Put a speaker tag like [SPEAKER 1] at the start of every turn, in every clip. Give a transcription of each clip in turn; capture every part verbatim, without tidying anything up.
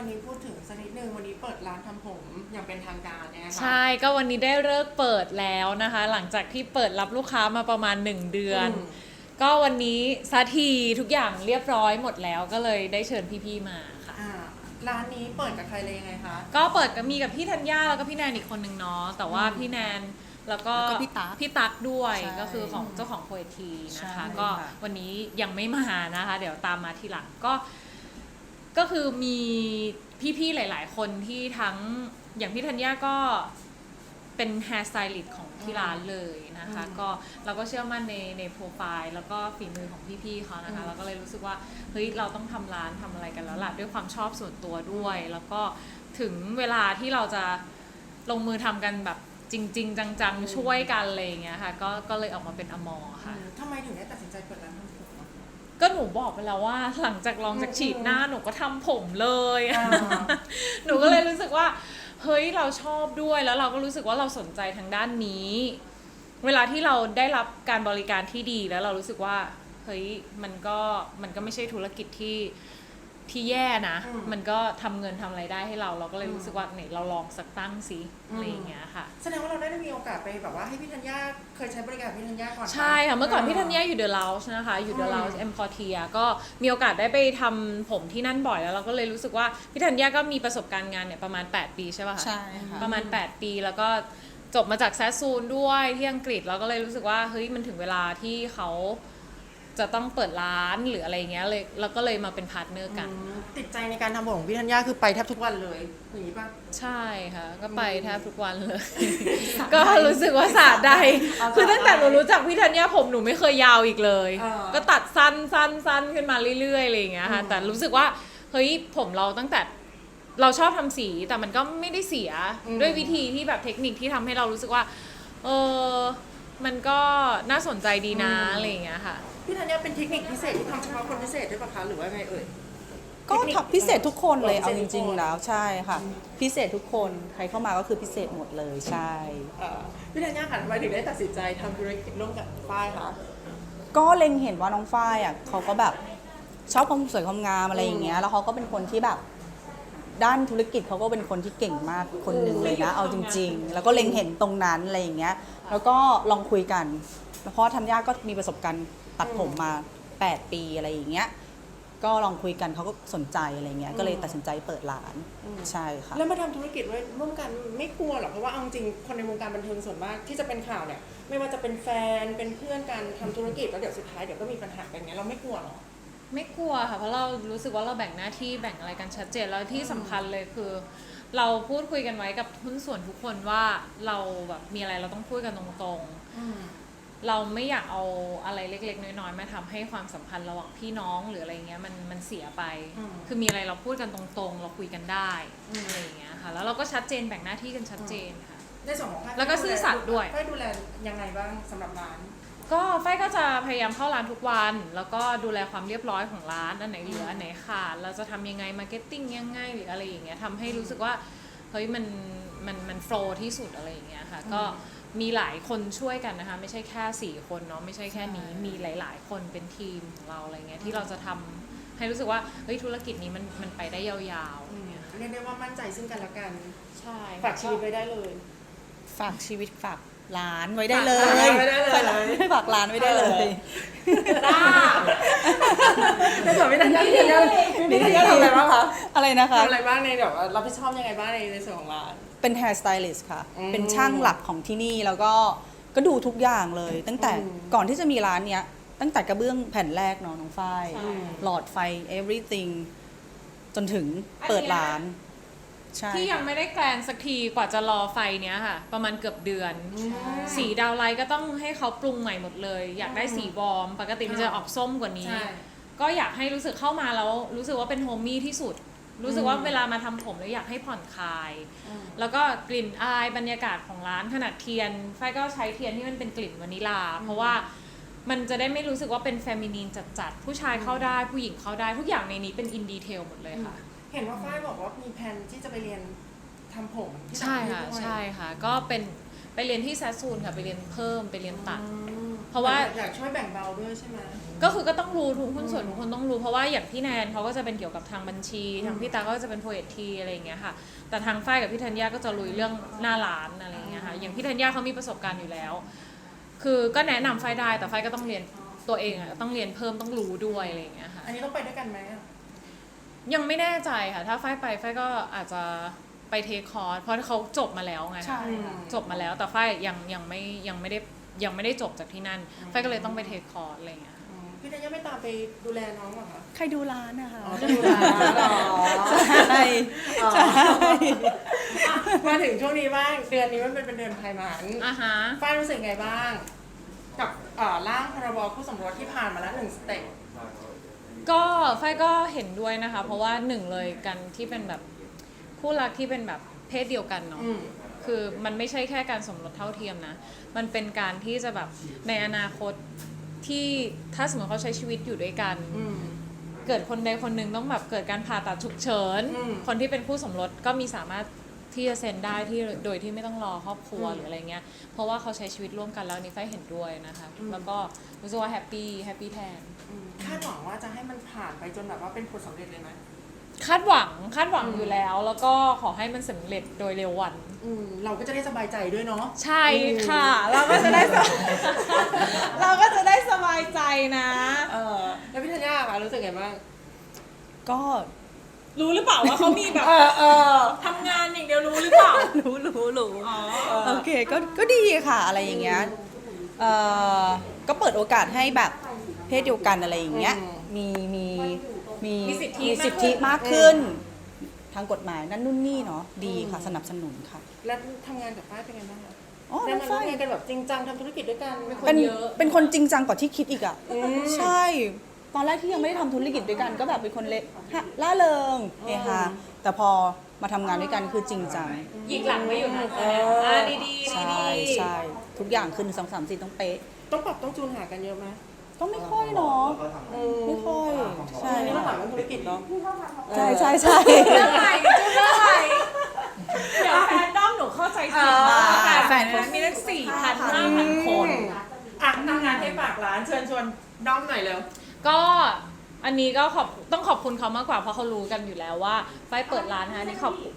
[SPEAKER 1] วันนี้พูดถึงสักนิดนึงวันนี้เปิดร้านทำผมอย่างเป็นทางการเนี่ยค่ะ
[SPEAKER 2] ใช่ก็วันนี้ได้เลิกเปิดแล้วนะคะหลังจากที่เปิดรับลูกค้ามาประมาณหนึ่งเดือนก็วันนี้สักทีทุกอย่างเรียบร้อยหมดแล้วก็เลยได้เชิญพี่ๆมาค่ะ
[SPEAKER 1] ร้านนี้เปิดกับใครเลยยังไงคะ
[SPEAKER 2] ก็เปิดกับมีกับพี่ธัญญาแล้วก็พี่แนนอีกคนนึงเนาะแต่ว่าพี่แนนแล้วก็
[SPEAKER 3] พี่ตั๊ก
[SPEAKER 2] พี่ตั๊กด้วยก็คือของเจ้าของโพเอทีนะคะก็วันนี้ยังไม่มานะคะเดี๋ยวตามมาทีหลังก็ก็คือมีพี่ๆหลายๆคนที่ทั้งอย่างพี่ธัญญาก็เป็นแฮร์สไตลิสต์ของที่ร้านเลยนะคะก็เราก็เชื่อมั่นในในโปรไฟล์แล้วก็ฝีมือของพี่ๆเขานะคะเราก็เลยรู้สึกว่าเฮ้ยเราต้องทำร้านทำอะไรกันแล้วล่ะด้วยความชอบส่วนตัวด้วยแล้วก็ถึงเวลาที่เราจะลงมือทำกันแบบจริงๆจังๆช่วยกันอะไรอย่างเงี้ยค่ะก็ก็เลยออกมาเป็นอมอค่ะ
[SPEAKER 1] ทำไมถึงได้ตัดสินใจเปิดร้านทำผม
[SPEAKER 2] ก็หนูบอกไปแล้วว่าหลังจากลองจากฉีดหน้าหนูก็ทำผมเลยหนูก็เลยรู้สึกว่าเฮ้ยเราชอบด้วยแล้วเราก็รู้สึกว่าเราสนใจทางด้านนี้เวลาที่เราได้รับการบริการที่ดีแล้วเรารู้สึกว่าเฮ้ยมันก็มันก็ไม่ใช่ธุรกิจที่ที่แย่นะมันก็ทำเงินทำอะไรได้ให้เราเราก็เลยรู้สึกว่าไหนเราลองสักตั้งสิอะไรอย่างเงี้ยค่ะ
[SPEAKER 1] แสดงว่าเราได้มีโอกาสไปแบบว่าให้พี่ธัญญาเคยใช้บริการพี่ธัญญาก่อน
[SPEAKER 2] ใช่ค่ะเมื่อก่อนพี่ธัญญาอยู่เดอะเลาส์นะคะอยู่เดอะเลาส์เอ็มคอร์เทียก็มีโอกาสได้ไปทำผมที่นั่นบ่อยแล้วเราก็เลยรู้สึกว่าพี่ธัญญาก็มีประสบการณ์งานเนี่ยประมาณแปดปีใช่ป่ะคะ
[SPEAKER 3] ใช่ค่ะ
[SPEAKER 2] ประมาณแปดปีแล้วก็จบมาจากแซสซูนด้วยที่อังกฤษเราก็เลยรู้สึกว่าเฮ้ยมันถึงเวลาที่เขาจะต้องเปิดร้านหรืออะไรเงี้ยเลยเราก็เลยมาเป็นพาร์ทเนอร์กัน
[SPEAKER 1] ติดใจในการทำผมของพี่ธัญญาคือไปแทบทุกวันเลยอย่างนี้ป่ะ
[SPEAKER 2] ใช่ค่ะก็ไปแทบทุกวันเลยก็รู้สึกว่าสาใดคือตั้งแต่หนูรู้จักพี่ธัญญาผมหนูไม่เคยยาวอีกเลยก็ตัดสั้นสั้นสั้นขึ้นมาเรื่อยๆอะไรอย่างเงี้ยค่ะแต่รู้สึกว่าเฮ้ยผมเราตั้งแต่เราชอบทำสีแต่มันก็ไม่ได้เสียด้วยวิธีที่แบบเทคนิคที่ทำให้เรารู้สึกว่าเออมันก็น่าสนใจดีนะอะไรอย่างเงี้ยค่ะ
[SPEAKER 1] พี่ธัญญาเป็นเทคนิคพิเศษที่ทำเฉพาะคนพิเศษด้วยป่ะคะหรือว่าไงเอ่ย
[SPEAKER 3] ก็พิเศษทุกคนเลยเอาจริงๆแล้วใช่ค่ะพิเศษทุกคนใครเข้ามาก็คือพิเศษหมดเลยใช่
[SPEAKER 1] พี่ธัญญาค่ะทำไมถึงได้ตัดสินใจทำธุรกิจร่วมกับฝ้ายคะ
[SPEAKER 3] ก็เล็งเห็นว่าน้องฝ้ายอ่ะเขาก็แบบชอบความสวยความงามอะไรอย่างเงี้ยแล้วเขาก็เป็นคนที่แบบด้านธุรกิจเขาก็เป็นคนที่เก่งมากคนหนึ่งเลยนะเอาจริงๆแล้วก็เล็งเห็นตรงนั้นอะไรอย่างเงี้ยแล้วก็ลองคุยกันเพราะธัญญาก็มีประสบการณ์ตัดผมมาแปดปีอะไรอย่างเงี้ยก็ลองคุยกันเขาก็สนใจอะไรเงี้ยก็เลยตัดสินใจเปิดร้านใช่ค่ะ
[SPEAKER 1] แล้วมาทำธุรกิจร่วมกันไม่กลัวหรอเพราะว่าเอาจริงคนในวงการบันเทิงส่วนมากที่จะเป็นข่าวเนี่ยไม่ว่าจะเป็นแฟนเป็นเพื่อนกันทำธุรกิจแล้วเดี๋ยวสุดท้ายเดี๋ยวก็มีปัญหากันเงี้ยเราไม่กลัวหรอ
[SPEAKER 2] ไม่กลัวค่ะเพราะเรารู้สึกว่าเราแบ่งหน้าที่แบ่งอะไรกันชัดเจนแล้วที่สำคัญเลยคือเราพูดคุยกันไว้กับหุ้นส่วนทุกคนว่าเราแบบมีอะไรเราต้องพูดกันตรงๆเราไม่อยากเอาอะไรเล็กๆน้อยๆมาทำให้ความสัมพันธ์ระหว่างพี่น้องหรืออะไรเงี้ยมันมันเสียไปคือมีอะไรเราพูดกันตรงๆเราคุยกันได้อะไรอย่างเงี้ยค่ะแล้วเราก็ชัดเจนแบ่งหน้าที่กันชัดเจนค่ะ
[SPEAKER 1] ในส่วนของ
[SPEAKER 2] แล้วก็ซื่อสัตย์ด้วย
[SPEAKER 1] ฝ้ายดูแลยังไงบ้างสำหรับร้าน
[SPEAKER 2] ก็ฝ้ายก็จะพยายามเข้าร้านทุกวันแล้วก็ดูแลความเรียบร้อยของร้านอันไหนเหลืออันไหนขาดเราจะทำยังไงมาร์เก็ตติ้งยังไงหรืออะไรอย่างเงี้ยทำให้รู้สึกว่าเฮ้ยมันมันมันโฟลว์ที่สุดอะไรอย่างเงี้ยค่ะก็มีหลายคนช่วยกันนะคะไม่ใช่แค่สี่คนเนาะไม่ใช่แค่นี้มีหลายๆคนเป็นทีมของเราอะไรเงี้ยที่เราจะทำให้รู้สึกว่าเฮ้ยธุรกิจนี้มันมันไปได้ยาวๆอย่างเงี้ย
[SPEAKER 1] เรียกได้ว่ามั่นใจซึ่งกันและกัน
[SPEAKER 2] ใช่
[SPEAKER 1] ฝากชีวิตไว้ได้เลย
[SPEAKER 3] ฝากชีวิตฝากร้านไว้ได้เลยฝากร้านไว้ได้เลย
[SPEAKER 1] ในส่วนพี่ธัญญาพี่ธัญญาพี่ธัญญาทำอะไรบ้างคะ
[SPEAKER 3] อะไรนะคะ
[SPEAKER 1] ทำอะไรบ้างในแบบรับผิดชอบยังไงบ้างในในส่วนของร้าน
[SPEAKER 3] เป็น hair stylist ค่ะเป็นช่างหลักของที่นี่แล้วก็ก็ดูทุกอย่างเลยตั้งแต่ก่อนที่จะมีร้านเนี้ยตั้งแต่กระเบื้องแผ่นแรกเนาะน้องฝ้ายหลอดไฟ everything จนถึงเปิดร้าน
[SPEAKER 2] ที่ยังไม่ได้แกลนสักทีกว่าจะรอไฟเนี้ยค่ะประมาณเกือบเดือนสีดาวไลท์ก็ต้องให้เขาปรุงใหม่หมดเลยอยากได้สีวอร์มปกติมันจะออกส้มกว่านี้ก็อยากให้รู้สึกเข้ามาแล้วรู้สึกว่าเป็นโฮมมี่ที่สุดรู้สึกว่าเวลามาทำผมแล้วอยากให้ผ่อนคลายแล้วก็กลิ่นอายบรรยากาศของร้านขนาดเทียนไฟก็ใช้เทียนที่มันเป็นกลิ่นวานิลาเพราะว่ามันจะได้ไม่รู้สึกว่าเป็นเฟมินีนจัดๆผู้ชายเข้าได้ผู้หญิงเข้าได้ทุกอย่างในนี้เป็นอินดีเทลหมดเลยค่ะ
[SPEAKER 1] เห็นว่าฝ้ายบอกว่ามีแผนที่จะไปเรียนทำผม
[SPEAKER 2] ใช่ค่ะใช่ค่ะก็เป็นไปเรียนที่แซสซูนค่ะไปเรียนเพิ่มไปเรียนตัด
[SPEAKER 1] แ
[SPEAKER 2] เพราะว่า
[SPEAKER 1] อยากช่วยแบ่งเบาด้วยใช่ไหม
[SPEAKER 2] ก็คือก็ต้องรู้ทุกหุ้นส่วนทุกคนต้องรู้เพราะว่าอย่างพี่แนนเขาก็จะเป็นเกี่ยวกับทางบัญชีทางพี่ตาก็จะเป็นโพเอทีอะไรอย่างเงี้ยค่ะแต่ทางฝ้ายกับพี่ธัญญาก็จะลุยเรื่องหน้าร้านอะไรอย่างเงี้ยค่ะอย่างพี่ธัญญาเขามีประสบการณ์อยู่แล้ว คือก็แนะนำฝ้ายได้แต่ฝ้ายก็ต้องเรียนตัวเองอ่ะต้องเรียนเพิ่มต้องรู้ด้วยอะไรอย่างเงี้ยค่ะ
[SPEAKER 1] อันนี้ต้องไปด้วยกันไหมอะ
[SPEAKER 2] ยังไม่แน่ใจค่ะถ้าฝ้ายไปฝ้ายก็อาจจะไปเทคคอร์สเพราะเขาจบมาแล้วไง
[SPEAKER 3] ใช่
[SPEAKER 2] จบมาแล้วแต่ฝ้ายยังยังไม่ยังไม่ได้ยังไม่ได้จบจากที่นั่นฝ้ายก็เลยต้องไปเทคคอร์สอะไรอย่างเงี้ย
[SPEAKER 1] อืมพี่ธัญญาไม่ตามไปดูแลน้องเหรอคะ
[SPEAKER 3] ใครดูร้านนะคะ
[SPEAKER 1] อ๋อจะดูแลเหรอ
[SPEAKER 3] ใช่
[SPEAKER 1] อ๋อ
[SPEAKER 3] ใช่
[SPEAKER 1] มาถึงช่วงนี้บ้างเดือนนี้มันเป็นเดือนไพมัน
[SPEAKER 2] อ่ะฮะ
[SPEAKER 1] ฝ้ายรู้สึกไงบ้าง กับเอ่อร่างพรบคู่สมรสที่ผ่านมาแล้วหนึ่งสเต็ป
[SPEAKER 2] ก็ฝ้ายก็เห็นด้วยนะคะ เพราะว่าหนึ่งเลยกันที่เป็นแบบคู่รักที่เป็นแบบเพศเดียวกันเนาะ
[SPEAKER 1] อืม
[SPEAKER 2] คือมันไม่ใช่แค่การสมรสเท่าเทียมนะ มันเป็นการที่จะแบบในอนาคตที่ถ้าสมมติเขาใช้ชีวิตอยู่ด้วยกัน
[SPEAKER 1] อืม
[SPEAKER 2] เกิดคนใดคนหนึ่งต้องแบบเกิดการผ่าตัดฉุกเฉิน
[SPEAKER 1] อืม
[SPEAKER 2] คนที่เป็นคู่สมรสก็มีสามารถที่จะเซ็นได้ที่โดยที่ไม่ต้องรอครอบครัว
[SPEAKER 1] อืม
[SPEAKER 2] หรืออะไรเงี้ย เพราะว่าเขาใช้ชีวิตร่วมกันแล้วอันนี่ฝ้ายเห็นด้วยนะคะ
[SPEAKER 1] อืม
[SPEAKER 2] แล้วก็รู้สึกว่าแฮปปี้แฮปปี้แทน
[SPEAKER 1] อืมคาดหวังว่าจะให้มันผ่านไปจนแบบว่าเป็นผลสำเร็จเลยไหม
[SPEAKER 2] คาดหวังคาดหวัง
[SPEAKER 1] อืม
[SPEAKER 2] อยู่แล้ว แล้วก็ขอให้มันสำเร็จโดยเร็ววัน
[SPEAKER 1] อืมเราก็จะได้สบายใจด้วยเนาะ
[SPEAKER 2] ใช่ค่ะ เราก็จะได้สบาย เราก็จะได้สบายใจนะ
[SPEAKER 1] เออแล้วพี่ธัญญาคะรู้สึกไงบ้าง
[SPEAKER 3] ก็
[SPEAKER 2] รู้หรือเปล่าว่าเขามีแบบ
[SPEAKER 1] เออเออ
[SPEAKER 2] ทำงานอย่างเดียวรู้หรือเปล่า
[SPEAKER 3] รู้รู้รู้
[SPEAKER 2] อ๋อ
[SPEAKER 3] โอเคก็ก็ดีค่ะอะไรอย่างเงี้ยเอ่อก็เปิดโอกาสให้แบบเพศเดียวกันอะไรอย่างเงี้ย
[SPEAKER 1] อืม
[SPEAKER 3] มีมีมี
[SPEAKER 2] มีสิทธิ
[SPEAKER 3] มีสิทธิ
[SPEAKER 2] มาม
[SPEAKER 3] าก ก
[SPEAKER 2] ขึ้
[SPEAKER 3] ขึ้
[SPEAKER 2] น
[SPEAKER 3] น ทางกฎหมายนั่นนู่นนี่เนาะดีค่ะสนับสนุนค่ะ
[SPEAKER 1] แล้วทำงานกับฝ้ายเป็นไงบ้างคะ
[SPEAKER 3] อ๋อ
[SPEAKER 1] ได้
[SPEAKER 3] น้อง
[SPEAKER 1] มาร่ว
[SPEAKER 3] ฝ้าม ย
[SPEAKER 1] งานกันแบบจริงจังทำธุรกิจด้วยกันไหม
[SPEAKER 3] เป็น
[SPEAKER 2] เยอะ
[SPEAKER 3] เป็นคนจริงจังกว่าที่คิดอีกอ่ะ
[SPEAKER 1] อืม
[SPEAKER 3] ใช่ ตอนแรกที่ยังไม่ได้ทำธุรกิจด้วยกัน ก็แบบเป็นคนเละล่าเริงเฮฮาแต่พอมาทำงานด้วยกันคือจริงจัง
[SPEAKER 2] หยิกหลังไม่อยู่นะ
[SPEAKER 1] เอออ่
[SPEAKER 2] อ่าดีๆดี
[SPEAKER 3] ใช่ใช่ทุกอย่างคือหนึ่งสองสามสี่ต้องเป๊ะ
[SPEAKER 1] ต้องปรับต้องจูนหากันเยอะไหม
[SPEAKER 3] ก็ไม่ค่อยเนาะ
[SPEAKER 1] อืม
[SPEAKER 3] ไม่ค่อยใช่
[SPEAKER 1] อันนี้เราถามเรื่องธุรกิจเนาะ
[SPEAKER 3] ใช่ใช่ใช่
[SPEAKER 2] เรื่องใหม่จุดเรื่องใหม่เดี๋ยวแฟนด้อมหนูเข้าใจผิด
[SPEAKER 1] อ่า
[SPEAKER 2] แต่แฟนคนมีตั้งสี่พันห้าพันคน
[SPEAKER 1] อ่ะทำงานให้ฝากร้านเชิญชวนด้อมหน่อยเร็ว
[SPEAKER 2] ก็อันนี้ก็ขอบต้องขอบคุณเขามากกว่าเพราะเขารู้กันอยู่แล้วว่าฝ้ายเปิดร้านนะคะอันนี่ขอบคุณ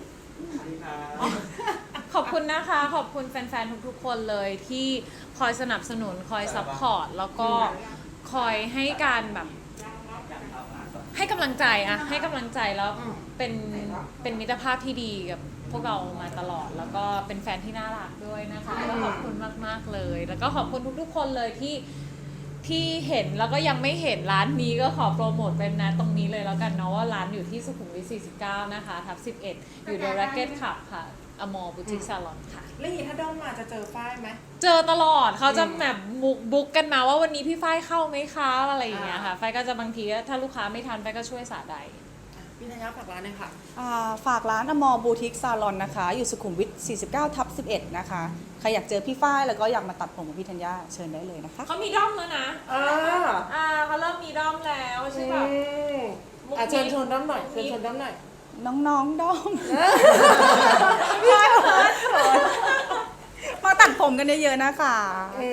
[SPEAKER 2] ขอบคุณนะคะ ขอบคุณแฟนๆทุกๆคนเลยที่คอยสนับสนุนคอยซัพพอร์ตแล้วก็คอยให้การแบบ ให้กำลังใจอะให้กำลังใจแล้ว
[SPEAKER 1] อืม
[SPEAKER 2] เป็นเป็นมิตรภาพที่ดีกับพวกเรามาตลอด แล้วก็เป็นแฟนที่น่ารักด้วยนะคะก็ขอบคุณมากๆเลย แล้วก็ขอบคุณทุกๆคนเลยที่ที่เห็นแล้วก็ยังไม่เห็นร้านนี้ก็ขอโปรโมทเป็นนะตรงนี้เลยแล้วกันเนาะว่าร้านอยู่ที่สุขุมวิทสี่สิบเก้านะคะทับสิบเอ็ดอยู่เดอะแร็กเก็ตคลับค่ะอมอบูติกซาลอนค่ะ
[SPEAKER 1] แล้วอย่างนี้ถ้าด้อมมาจะเจอฝ้ายไหม
[SPEAKER 2] เจอตลอดเขาจะ
[SPEAKER 1] อืม
[SPEAKER 2] แบบบุ๊กบุ๊กกันมาว่าวันนี้พี่ฝ้ายเข้าไหมคะอะไรอย่างเงี้ยค่ะ
[SPEAKER 1] อ่า
[SPEAKER 2] ฝ้ายก็จะบางทีถ้าลูกค้าไม่ทันฝ้ายก็ช่วยสาใด
[SPEAKER 1] พี่ธัญญาฝากร้านหน่อยค่ะ
[SPEAKER 3] อ่าฝากร้านอมอบูติกซาลอนนะคะ อยู่สุขุมวิทสี่สิบเก้าทับสิบเอ็ดนะคะ ใครอยากเจอพี่ฝ้ายแล้วก็อยากมาตัดผมกับพี่ธัญญาเชิญได้เลยนะคะ
[SPEAKER 2] เขามีด้อมแล้วนะ
[SPEAKER 1] อ่า
[SPEAKER 2] อ่าเขาเริ่มมีด้อมแล้วใช่ป่ะ
[SPEAKER 1] อืมอ่ะเชิญชวนด้อมหน่อยเชิญชวนด้อมหน่อย
[SPEAKER 3] น้องๆด้อม มาตัดผมกันเยอะๆนะคะ